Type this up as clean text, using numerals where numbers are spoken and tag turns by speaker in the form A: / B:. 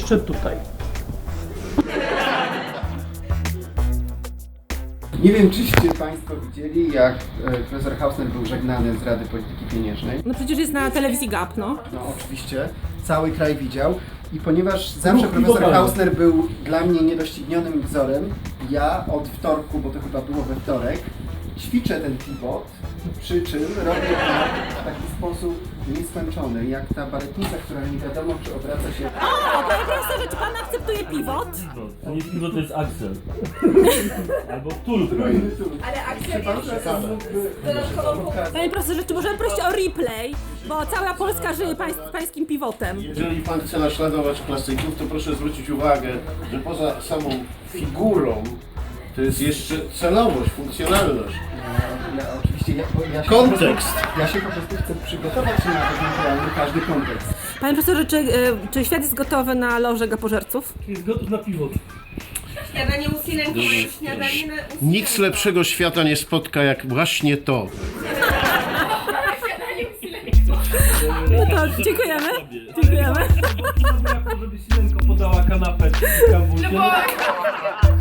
A: jeszcze tutaj.
B: Nie wiem, czyście Państwo widzieli, jak profesor Hausner był żegnany z Rady Polityki Pieniężnej.
C: No przecież jest na telewizji GAP, no.
B: No oczywiście, cały kraj widział. I ponieważ zawsze profesor Hausner był dla mnie niedoścignionym wzorem, ja od wtorku, bo to chyba było we wtorek, ćwiczę ten pivot, przy czym robię to w taki sposób nieskończony, jak ta baletnica, która nie wiadomo, czy obraca się...
C: O, panie profesorze, czy pan akceptuje pivot?
A: To nie piwo, to jest Axel. Albo Tulkraj.
D: Ale akcja dodatkową
C: Panie profesorze, czy możemy prosić o replay? Bo cała Polska żyje pańskim pivotem.
E: Jeżeli pan chce naśladować klasyków, to proszę zwrócić uwagę, że poza samą figurą to jest jeszcze celowość, funkcjonalność.
B: Oczywiście ja się
E: Kontekst.
B: Ja się po prostu chcę przygotować na ewentualny każdy kontekst.
C: Panie profesorze, czy świat jest gotowy na lożę gapożerców?
A: Jest gotów na piwo.
D: śniadanie u Silenki, śniadanie na
E: Nic lepszego świata nie spotka jak właśnie to.
C: No to dziękujemy. Dziękujemy.
A: Żeby Silenko podała kanapę.
D: No bo